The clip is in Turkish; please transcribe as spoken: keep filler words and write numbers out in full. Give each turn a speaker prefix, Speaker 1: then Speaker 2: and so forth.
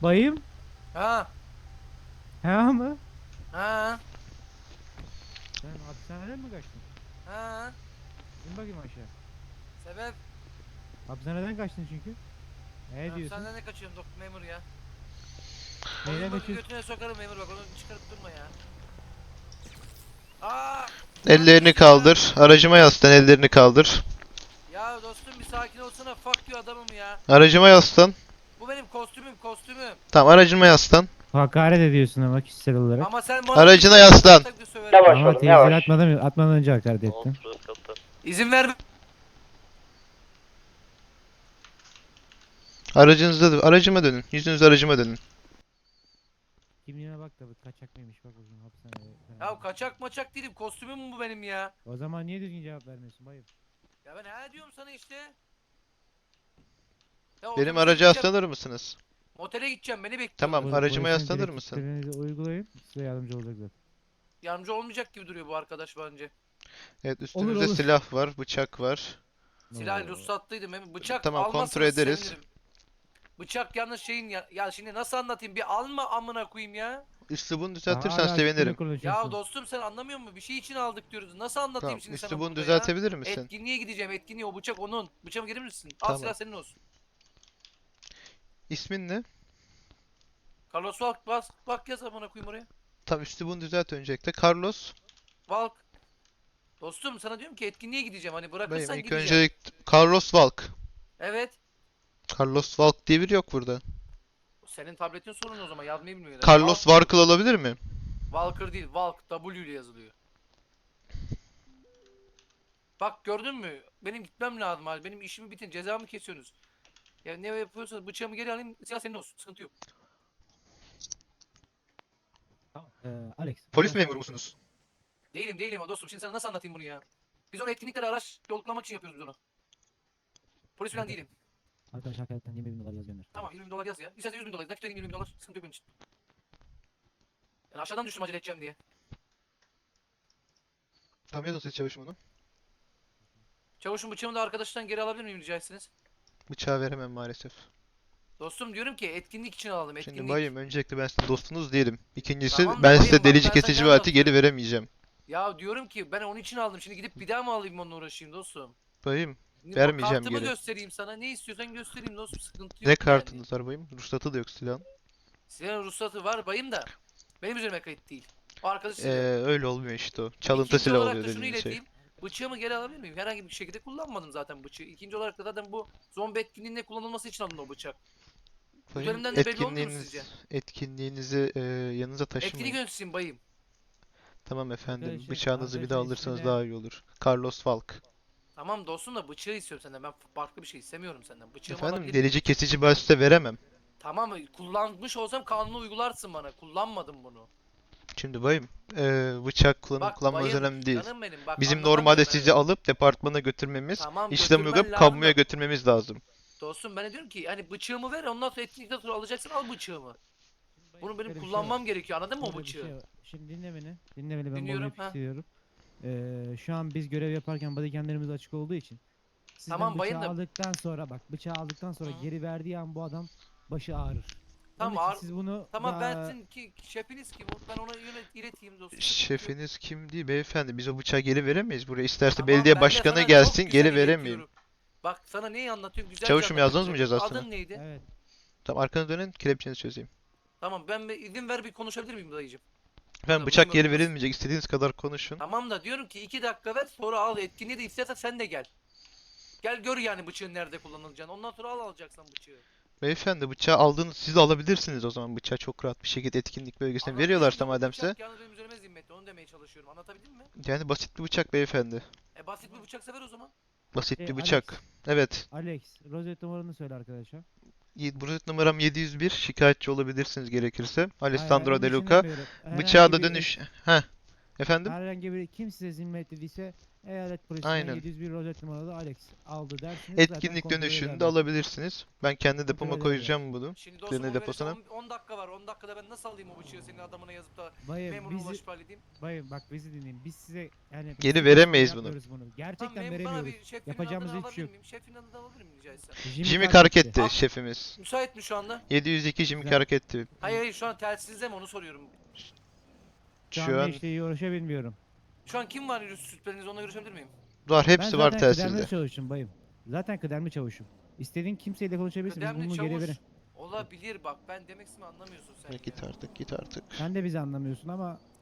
Speaker 1: Bayım?
Speaker 2: Ha
Speaker 1: Ha mı?
Speaker 2: ha
Speaker 1: Sen hapishaneden mi kaçtın?
Speaker 2: ha.
Speaker 1: İn bakayım aşağı.
Speaker 2: Sebep?
Speaker 1: Hapishaneden kaçtın çünkü.
Speaker 2: Ben
Speaker 1: Ne diyorsun?
Speaker 2: hapishaneden ne kaçıyorum doktor memur ya.
Speaker 1: Neyden
Speaker 2: Olayım bak
Speaker 1: kaçıyorsun?
Speaker 2: götüne sokarım memur bak onu çıkarıp durma ya. Aa! Ne
Speaker 3: Ellerini
Speaker 2: yapıyorsun ya?
Speaker 3: kaldır. Aracıma yaslan, ellerini kaldır.
Speaker 2: Ya dostum bir sakin olsana fuck you adamım ya.
Speaker 3: Aracıma yaslan.
Speaker 2: Bu benim kostümüm kostümüm.
Speaker 3: Tamam, aracıma yaslan.
Speaker 1: Hakaret ediyorsun ama kişisel olarak.
Speaker 2: Ama sen bana
Speaker 3: Aracına
Speaker 2: bir
Speaker 3: yaslan.
Speaker 2: tak bir söverim.
Speaker 4: Yavaş
Speaker 1: Ama
Speaker 4: oğlum
Speaker 1: teyze
Speaker 4: yavaş.
Speaker 1: atmadan, atmadan önce hakaret ettin.
Speaker 2: İzin ver.
Speaker 3: Aracınızda, aracıma dönün. Yüzünüzü aracıma dönün.
Speaker 1: Kimliğine bak da bu kaçak mıymış bak bakayım hapishanede.
Speaker 2: Ya kaçak maçak değilim kostümüm bu benim ya.
Speaker 1: O zaman niye düzgün cevap vermiyorsun bayım?
Speaker 2: Ya ben ne diyorum sana işte. Ya
Speaker 3: Benim
Speaker 2: otobüse
Speaker 3: araca
Speaker 2: gideceğim,
Speaker 3: yaslanır mısınız?
Speaker 2: Motele gideceğim beni bekliyorlar.
Speaker 3: Tamam,
Speaker 1: Pol-
Speaker 3: aracıma
Speaker 1: polisin
Speaker 3: yaslanır mısın?
Speaker 1: direktiflerinizi uygulayın. Size yardımcı olacak zaten.
Speaker 2: Yardımcı olmayacak gibi duruyor bu arkadaş bence.
Speaker 3: Evet, üstünüzde
Speaker 1: olur.
Speaker 3: silah var, bıçak var.
Speaker 2: Silah
Speaker 1: Oo.
Speaker 2: ruhsatlıydım hem bıçak
Speaker 3: Tamam, kontrol
Speaker 2: almazsanız
Speaker 3: ederiz.
Speaker 2: sevinirim. Bıçak yalnız şeyin ya, ya şimdi nasıl anlatayım bir alma amına koyayım ya.
Speaker 3: Üslubunu
Speaker 1: Hala
Speaker 3: düzeltirsen
Speaker 1: üstüne
Speaker 3: sevinirim.
Speaker 1: konuşuyorsun.
Speaker 2: Ya dostum sen anlamıyor musun? Bir şey için aldık diyoruz. Nasıl anlatayım
Speaker 3: Tamam,
Speaker 2: şimdi sana
Speaker 3: üslubunu
Speaker 2: burada ya?
Speaker 3: düzeltebilir misin?
Speaker 2: Etkinliğe gideceğim. Etkinliğe o bıçak onun. Bıçağımı gelir misin? Al
Speaker 3: Tamam.
Speaker 2: silah senin olsun.
Speaker 3: İsmin ne?
Speaker 2: Carlos Valk bas. Bak yaz amına koyayım oraya.
Speaker 3: Tamam, üslubunu düzelt öncelikle. Carlos.
Speaker 2: Valk. Dostum sana diyorum ki etkinliğe gideceğim. Hani
Speaker 3: Bayım,
Speaker 2: bırakırsan
Speaker 3: ilk
Speaker 2: gideceğim.
Speaker 3: önce Carlos Valk.
Speaker 2: Evet.
Speaker 3: Carlos Valk diye biri yok burada.
Speaker 2: Senin tabletin sorun o zaman. Yazmayı bilmiyor.
Speaker 3: Carlos
Speaker 2: Valk-
Speaker 3: Varkıl olabilir mi?
Speaker 2: Walker değil. Valk. W ile yazılıyor. Bak gördün mü? Benim gitmem lazım abi. Benim işimi bitin. Cezamı kesiyorsunuz. Ya ne yapıyorsanız bıçağımı geri alayım. Silah senin olsun. Sıkıntı yok.
Speaker 1: Tamam. Ee, Alex.
Speaker 3: Polis
Speaker 1: araç-
Speaker 3: memuru musunuz?
Speaker 2: Değilim değilim o dostum. Şimdi sana nasıl anlatayım bunu ya? Biz onu etkinliklere araç yoklamak için yapıyoruz biz onu. Polis falan değilim.
Speaker 1: Arkadaş hakaretten yirmi bin dolar yaz gönder.
Speaker 2: Tamam yirmi bin dolar yaz ya. İstersen yüz bin dolar. Nakit vereyim yirmi bin dolar. Sıkıntı yok benim için. Yani aşağıdan düştüm acele edeceğim diye.
Speaker 3: Tamam, yazın siz çavuşum onu.
Speaker 2: Çavuşun bıçağımı da arkadaştan geri alabilir miyim rica etsiniz?
Speaker 3: Bıçağı veremem maalesef.
Speaker 2: Dostum diyorum ki etkinlik için alalım.
Speaker 3: Şimdi
Speaker 2: Etkinlik.
Speaker 3: bayım, öncelikle ben sizin dostunuz değilim. İkincisi,
Speaker 2: Tamam da
Speaker 3: ben
Speaker 2: bayım
Speaker 3: size
Speaker 2: bak,
Speaker 3: delici
Speaker 2: ben sana
Speaker 3: kesici
Speaker 2: ne
Speaker 3: bir aleti geri
Speaker 2: anlatıyorum?
Speaker 3: veremeyeceğim.
Speaker 2: Ya diyorum ki ben onun için aldım. Şimdi gidip bir daha mı alayım onunla uğraşayım dostum?
Speaker 3: Bayım,
Speaker 2: Ne-
Speaker 3: vermeyeceğim
Speaker 2: Kartımı
Speaker 3: geri.
Speaker 2: göstereyim sana. Ne istiyorsan göstereyim dostum. Sıkıntı yok
Speaker 3: Ne
Speaker 2: yani.
Speaker 3: kartınız var bayım? Ruhsatı da yok silahın.
Speaker 2: Silahın ruhsatı var bayım da. Benim üzerime kayıt değil. O arkadaş
Speaker 3: Ee,
Speaker 2: silahı.
Speaker 3: öyle olmuyor işte o. Çalıntı
Speaker 2: İkinci
Speaker 3: silah
Speaker 2: olarak
Speaker 3: oluyor
Speaker 2: da şunu
Speaker 3: dediğin şey.
Speaker 2: ileteyim. Bıçağımı geri alabilir miyim? Herhangi bir şekilde kullanmadım zaten bıçağı. İkinci olarak da zaten bu zombi etkinliğinde kullanılması için alındı o bıçak.
Speaker 3: Bayım,
Speaker 2: Üzerinden de belli olmuyor mu
Speaker 3: etkinliğiniz,
Speaker 2: sizce?
Speaker 3: etkinliğinizi e, yanınıza
Speaker 2: Etkinlik
Speaker 3: taşımayın.
Speaker 2: yöneticisiyim bayım.
Speaker 3: Tamam efendim,
Speaker 1: Arkadaşın-
Speaker 3: bıçağınızı bir daha
Speaker 1: arkadaşın
Speaker 3: alırsanız
Speaker 1: ismi ne?
Speaker 3: daha iyi olur. Carlos Valk.
Speaker 2: Tamam dostum da bıçağı istiyorum senden. Ben farklı bir şey istemiyorum senden. Bıçağımı
Speaker 3: Efendim,
Speaker 2: alabilir miyim?
Speaker 3: delici kesici bir alet size veremem.
Speaker 2: Tamam kullanmış olsam kanunu uygularsın bana. Kullanmadım bunu.
Speaker 3: Şimdi bayım, e, bıçak kullanıp
Speaker 2: Bak
Speaker 3: kullanmanız
Speaker 2: bayım,
Speaker 3: önemli değil.
Speaker 2: canım benim. Bak,
Speaker 3: Bizim
Speaker 2: anlatamıyorum
Speaker 3: normalde
Speaker 2: ben
Speaker 3: sizi
Speaker 2: öyle.
Speaker 3: alıp departmana götürmemiz,
Speaker 2: Tamam,
Speaker 3: işlem
Speaker 2: götürmen
Speaker 3: uygulayıp
Speaker 2: lazım
Speaker 3: kamuya
Speaker 2: da-
Speaker 3: götürmemiz lazım.
Speaker 2: Dostum ben de diyorum ki hani bıçağımı ver ondan sonra etkinlikten sonra alacaksın al bıçağımı. Bunu benim
Speaker 1: Böyle bir şey
Speaker 2: kullanmam
Speaker 1: var.
Speaker 2: gerekiyor anladın mı o
Speaker 1: Böyle bir
Speaker 2: bıçağı?
Speaker 1: şey var. Şimdi dinle beni. Dinle beni ben
Speaker 2: Dinliyorum,
Speaker 1: bölmek
Speaker 2: ha.
Speaker 1: istiyorum. Ee, şu an biz görev yaparken bodycamlerimiz açık olduğu için. Sizden
Speaker 2: Tamam,
Speaker 1: bıçağı
Speaker 2: bayım da-
Speaker 1: aldıktan sonra bak bıçağı aldıktan sonra
Speaker 2: Hı.
Speaker 1: geri verdiği an bu adam başı ağrır.
Speaker 2: Tamam,
Speaker 1: Onun için
Speaker 2: ağır-
Speaker 1: siz bunu
Speaker 2: Tamam
Speaker 1: daha-
Speaker 2: ben sizin ki şefiniz kim? Ben ona yönet ileteyim dostum.
Speaker 3: Şefiniz kim değil beyefendi, biz o bıçağı geri veremeyiz buraya. İsterse
Speaker 2: Tamam,
Speaker 3: belediye
Speaker 2: ben de
Speaker 3: başkanı
Speaker 2: sana çok
Speaker 3: gelsin,
Speaker 2: güzel
Speaker 3: geri veremeyim.
Speaker 2: iletiyorum. Bak sana neyi anlatıyorum güzel
Speaker 3: Çavuşum, yazdınız mı cezasını?
Speaker 2: Adın neydi?
Speaker 1: Evet.
Speaker 3: Tamam, arkanı dönün, kelepçenizi çözeyim.
Speaker 2: Tamam ben bir izin ver bir konuşabilir miyim dayıcım?
Speaker 3: Efendim,
Speaker 2: Tabii,
Speaker 3: bıçak
Speaker 2: buyurun,
Speaker 3: geri
Speaker 2: buyurun.
Speaker 3: verilmeyecek, istediğiniz kadar konuşun.
Speaker 2: Tamam da diyorum ki iki dakika ver sonra al etkinliği de istersen sen de gel. Gel gör yani bıçağın nerede kullanılacağını. Ondan sonra al alacaksan bıçağı.
Speaker 3: Beyefendi, bıçağı aldığınız, siz de alabilirsiniz o zaman bıçağı çok rahat bir şekilde etkinlik bölgesine
Speaker 2: Anlatabiliyor
Speaker 3: veriyorlarsa
Speaker 2: muyum? Bu
Speaker 3: madem size.
Speaker 2: bıçak yalnız benim üzerime zimmetli onu demeye çalışıyorum. Anlatabildim mi?
Speaker 3: Yani basit bir bıçak beyefendi.
Speaker 2: E basit bir bıçak sever o zaman.
Speaker 3: Basit
Speaker 1: Şey,
Speaker 3: bir
Speaker 1: Alex.
Speaker 3: bıçak. Evet.
Speaker 1: Alex, rozet numaranı söyle arkadaşa.
Speaker 3: Y- Burası numaram yedi yüz bir. Şikayetçi olabilirsiniz gerekirse. Alessandro
Speaker 1: Hayır,
Speaker 3: De
Speaker 1: hayır, onun için
Speaker 3: Luca.
Speaker 1: demiyorum.
Speaker 3: Bıçağa
Speaker 1: Herhangi
Speaker 3: da
Speaker 1: bir
Speaker 3: dönüş. Heh. Efendim?
Speaker 1: Herhangi bir kim size zimmetlediyse eyalet polisinden
Speaker 3: Aynen.
Speaker 1: yedi yüz bir rozet numaralı Alex aldı dersiniz. zaten
Speaker 3: Etkinlik
Speaker 1: kontrol
Speaker 3: dönüşünde
Speaker 1: ederler.
Speaker 3: alabilirsiniz. Ben kendi
Speaker 1: Kontrol
Speaker 3: depoma
Speaker 1: ederler.
Speaker 3: koyacağım bunu.
Speaker 2: Şimdi dostum
Speaker 3: Klini
Speaker 2: onu verirse
Speaker 3: deposuna.
Speaker 2: on dakika var. on dakikada ben nasıl alayım o bıçağı senin adamına yazıp da
Speaker 1: Bayım
Speaker 2: memuruna
Speaker 1: bizi,
Speaker 2: ulaşıp halledeyim?
Speaker 1: bayım bak bizi dinleyin. Biz size yani
Speaker 3: Geri
Speaker 1: size
Speaker 3: veremeyiz
Speaker 1: karşı
Speaker 3: bunu.
Speaker 1: yapmıyoruz bunu.
Speaker 2: Tamam,
Speaker 1: Gerçekten
Speaker 2: memur bana
Speaker 1: veremiyoruz.
Speaker 2: bir şefin
Speaker 1: Yapacağımız
Speaker 2: adını
Speaker 1: hiçbir şey
Speaker 2: alabilir
Speaker 1: yok.
Speaker 2: miyim? Şefin adını alabilir miyim rica etsem?
Speaker 3: Jimmy
Speaker 1: Kark etti.
Speaker 3: Kark etti
Speaker 2: Ah.
Speaker 3: şefimiz.
Speaker 2: Müsait mi şu anda?
Speaker 3: yedi yüz iki Jimmy
Speaker 1: Güzel.
Speaker 3: Kark etti.
Speaker 2: Hayır hayır şu an telsizde mi onu soruyorum.
Speaker 1: Şu an
Speaker 3: Şu
Speaker 1: ne
Speaker 3: an
Speaker 1: işle uğraşabilmiyorum.
Speaker 2: Şu an kim var şüpheniz onunla görüşebilir miyim?
Speaker 3: var,
Speaker 1: Ben
Speaker 3: hepsi var
Speaker 1: zaten kıdemli
Speaker 3: telsizde.
Speaker 1: çavuşum bayım. Zaten kıdemli çavuşum. İstediğin kimseyle konuşabilirsin. Biz
Speaker 2: Kıdemli
Speaker 1: bunu geri
Speaker 2: çavuş
Speaker 1: verin.
Speaker 2: olabilir bak ben demek istediğimi anlamıyorsun sen
Speaker 3: Ya
Speaker 2: ya.
Speaker 3: git artık, git artık.
Speaker 1: Sen de bizi anlamıyorsun ama